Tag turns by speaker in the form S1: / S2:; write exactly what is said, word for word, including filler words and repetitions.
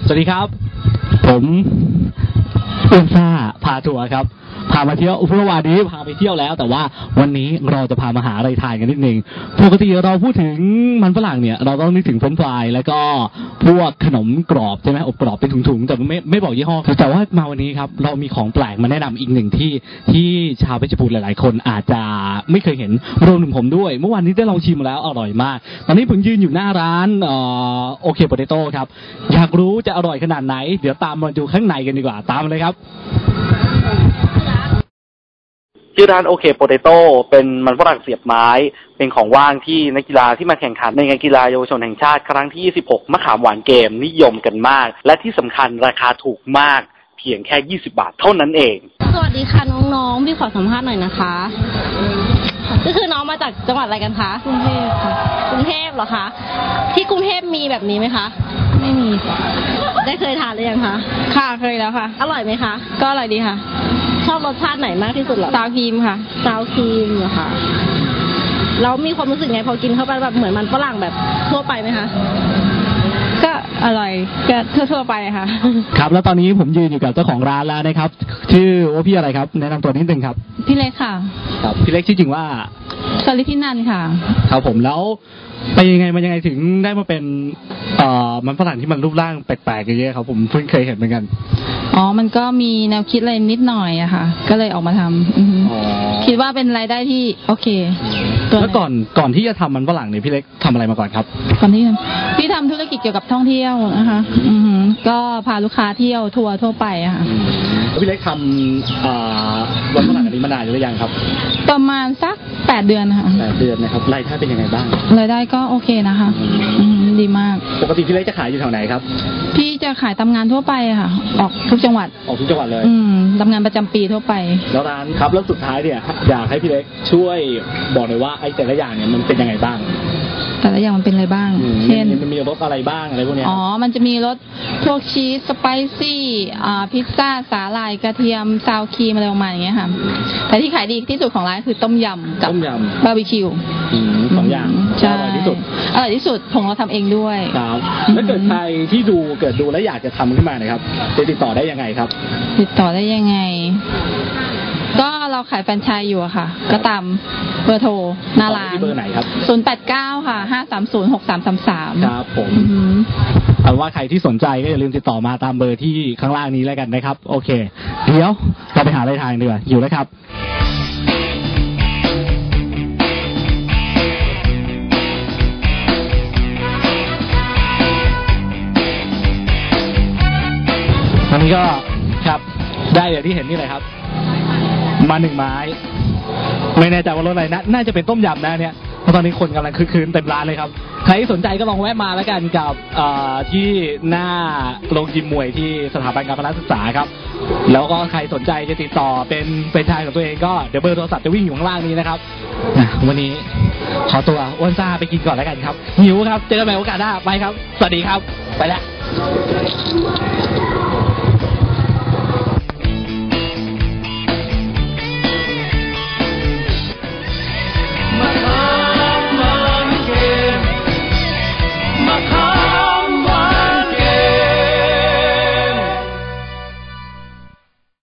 S1: สวัสดีครับผมอ้วนซ่าพาทัวร์ครับพามาเที่ยวอุปวานี้พาไปเที่ยวแล้วแต่ว่าวันนี้เราจะพามาหาอะไรทานกันนิดนึงปกติเราพูดถึงมันฝรั่งเนี่ยเราต้องนึกถึงเฟรนช์ฟรายแล้วก็พวกขนมกรอบใช่ไหมอบกรอบเป็นถุงๆแต่ไม่ไม่บอกยี่ห้อแต่ว่ามาวันนี้ครับเรามีของแปลกมาแนะนำอีกหนึ่งที่ที่ชาวเพชรบูรณ์หลายๆคนอาจจะไม่เคยเห็นรวมถึงผมด้วยเมื่อวานนี้ได้ลองชิมแล้วอร่อยมากตอนนี้ผมยืนอยู่หน้าร้านโอเคโปเตโต้ครับอยากรู้จะอร่อยขนาดไหนเดี๋ยวตามมาดูข้างในกันดีกว่าตามมาเลยครับชื่อร้านโอเคโปเตโต้เป็นมันฝรั่งเสียบไม้เป็นของว่างที่นักกีฬาที่มาแข่งขันในงานกีฬาเยาวชนแห่งชาติครั้งที่ยี่สิบหกมะขามหวานเกมนิยมกันมากและที่สำคัญราคาถูกมากเพียงแค่ยี่สิบบาทเท่านั้นเอง
S2: สวัสดีค่ะน้องๆพี่ขอสัมภาษณ์หน่อยนะคะก็คือน้องมาจากจังหวัดอะไรกันคะกรุงเทพค่ะกรุงเทพเหรอคะที่กรุงเทพมีแบบนี้ไหมคะไม่มีได้เคยทานหรือยังคะค่ะเคยแล้วค่ะอร่อยไหมคะก็อร่อยดีค่ะชอบรสชาติไหนมากที่สุดเหรอซาวครีมค่ะซาวครีมเหรอคะแล้วมีความรู้สึกไงพอกินเข้าไปแบบเหมือนมันฝรั่งแบบทั่วไปไหมคะก็อร่อยก็ทั่วๆไปค่ะ
S1: ครับแล้วตอนนี้ผมยืนอยู่กับเจ้าของร้านแล้วนะครับชื่อว่าพี่อะไรครับแนะนำตัวนิดนึงครับ
S2: พี่เล็กค่ะ
S1: ครับพี่เล็กชื่อจริงว่า
S2: สลิธินันค่ะ
S1: ครับผมแล้วไปยังไงมันยังไงถึงได้มาเป็นเอ่อมันฝรั่งที่มันรูปร่างแปลกๆอย่างเงี้ยครับผมเพิ่งเคยเห็นเหมือนกัน
S2: อ๋อมันก็มีแนวคิดอะไรนิดหน่อยอะค่ะก็เลยออกมาทำคิดว่าเป็นรายได้ที่โอเค
S1: แล้วก่อนก่อนที่จะทำมันฝรั่งเนี่ยพี่เล็กทำอะไรมาก่อนครับ
S2: ก่อนที่พี่ทำธุรกิจเกี่ยวกับท่องเที่ยวนะคะอือก็พาลูกค้าเที่ยวทัวร์ทั่วไปอะค่ะ
S1: พี่เล็กทำมันฝรั่งอันนี้มานานหรือยังครับ
S2: ประมาณสักแปดเดือนค่ะ
S1: แปดเดือนนะครับรายได้เป็นยังไงบ้าง
S2: รายได้ก็โอเคนะคะดีมาก
S1: ปกติพี่เล็กจะขายอยู่แถวไหนครับ
S2: พี่จะขายทำงานทั่วไปค่ะออกทุกจังหวัด
S1: ออกทุกจังหวัดเลย
S2: อืมทำงานประจำปีทั่วไป
S1: แล้วร้านครับแล้วสุดท้ายเนี่ยอยากให้พี่เล็กช่วยบอกหน่อยว่าไอ้แต่ละอย่างเนี่ยมันเป็นยังไงบ้าง
S2: แต่ละอย่างมันเป็นอะไรบ้างเช่น
S1: มันมีรสอะไรบ้างอะไรพวกนี้
S2: อ๋อมันจะมีรสพวกชีสสไปซี่อ่าพิซซ่าสาหร่ายกระเทียมซาวครีมอะไรประมาณอย่างเงี้ยค่ะแต่ที่ขายดีที่สุดของร้านคือต้มยำกับบาร์บีคิว
S1: สองอย่างอร่อยที่สุด
S2: อร่อยที่สุดของเราทำเองด้วย
S1: ครับแล้วเกิดใครที่ดูเกิดดูแล้วอยากจะทำขึ้นมานะครับจะติดต่อได้ยังไงครับ
S2: ติดต่อได้ยังไงก็เราขายแฟรนไชส์อยู่อะค่ะก็ตามเบอร์โทรหน้าร้าน
S1: ที่เบอร์ไหนครับ
S2: ศูนย์แปดเก้าค่ะห้าสามศูนย์หกสามสามสาม
S1: ครับผมเอาว่าใครที่สนใจก็อย่าลืมติดต่อมาตามเบอร์ที่ข้างล่างนี้แล้วกันนะครับโอเคเดี๋ยวเราไปหาอะไรทานดีกว่าอยู่แล้วครับตอนนี้ก็ครับได้อย่างที่เห็นนี่เลยครับมาหนึ่งไม้ไม่แน่ใจว่ารสอะไรนะน่าจะเป็นต้มยำนะเนี่ยเพราะตอนนี้คนกำลังคึกคืนเต็มร้านเลยครับใครสนใจก็ลองแวะมาแล้วกันกับที่หน้าโรงยิมมวยที่สถาบันการพละศึกษาครับแล้วก็ใครสนใจจะติดต่อเป็นเป็นชายของตัวเองก็เดี๋ยวเบอร์โทรศัพท์จะวิ่งอยู่ข้างล่างนี้นะครับวันนี้ขอตัวอ้วนซ่าไปกินก่อนแล้วกันครับหิวครับเจอกันใหม่โอกาสหน้าไปครับสวัสดีครับไปแล้ว